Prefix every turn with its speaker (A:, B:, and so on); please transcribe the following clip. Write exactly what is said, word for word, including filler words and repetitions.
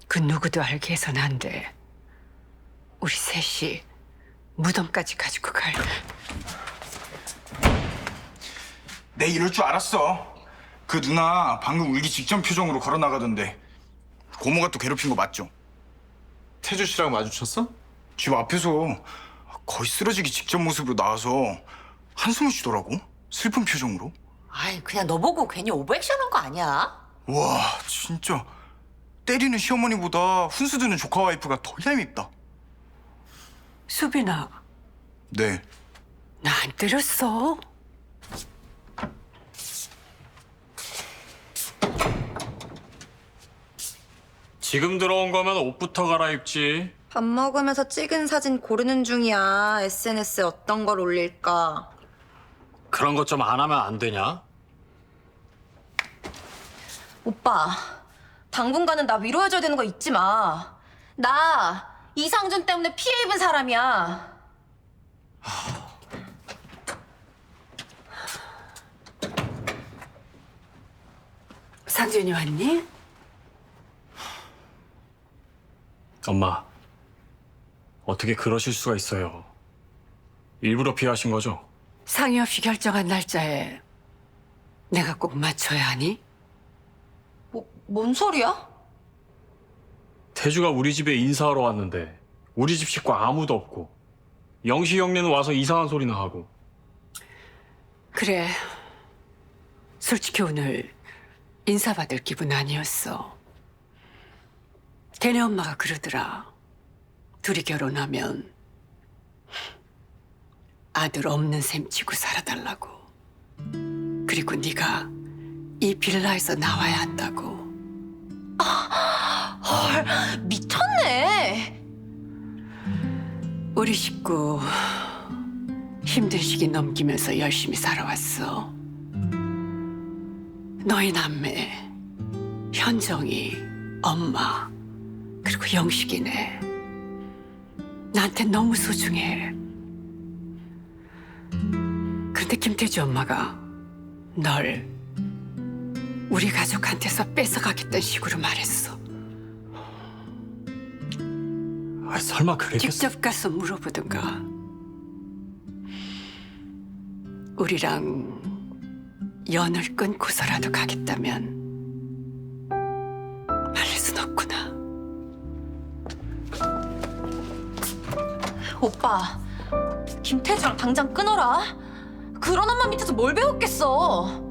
A: 그 누구도 알게 해서는 안 돼. 우리 셋이 무덤까지 가지고 갈.
B: 내 이럴 줄 알았어. 그 누나 방금 울기 직전 표정으로 걸어 나가던데 고모가 또 괴롭힌 거 맞죠?
C: 태주 씨랑 마주쳤어?
B: 집 앞에서 거의 쓰러지기 직전 모습으로 나와서 한숨을 쉬더라고. 슬픈 표정으로.
D: 아이, 그냥 너 보고 괜히 오버액션한 거 아니야?
B: 와, 진짜 때리는 시어머니보다 훈수 두는 조카 와이프가 더 얄밉다.
A: 수빈아,
B: 네.
A: 나 안 때렸어.
E: 지금 들어온 거면 옷부터 갈아입지.
F: 밥 먹으면서 찍은 사진 고르는 중이야. 에스엔에스에 어떤 걸 올릴까.
E: 그런 것 좀 안 하면 안 되냐?
F: 오빠, 당분간은 나 위로해줘야 되는 거 잊지 마. 나 이상준 때문에 피해 입은 사람이야.
A: 상준이 왔니?
E: 엄마, 어떻게 그러실 수가 있어요? 일부러 피하신 거죠?
A: 상의 없이 결정한 날짜에 내가 꼭 맞춰야 하니?
F: 뭐, 뭔 소리야?
E: 태주가 우리 집에 인사하러 왔는데 우리 집 식구 아무도 없고 영시 형네는 와서 이상한 소리나 하고.
A: 그래. 솔직히 오늘 인사받을 기분 아니었어. 걔네 엄마가 그러더라. 둘이 결혼하면 아들 없는 셈 치고 살아달라고. 그리고 네가 이 빌라에서 나와야 한다고.
F: 헐, 미쳤네.
A: 우리 식구 힘든 시기 넘기면서 열심히 살아왔어. 너희 남매, 현정이, 엄마, 그리고 영식이네. 나한테 너무 소중해. 그런데 김태주 엄마가 널 우리 가족한테서 뺏어가겠다는 식으로 말했어.
E: 아, 설마 그랬겠어?
A: 직접 가서 물어보든가. 우리랑 연을 끊고서라도 가겠다면 말릴 순 없구나.
F: 오빠, 김태주랑 당장 끊어라. 그런 엄마 밑에서 뭘 배웠겠어.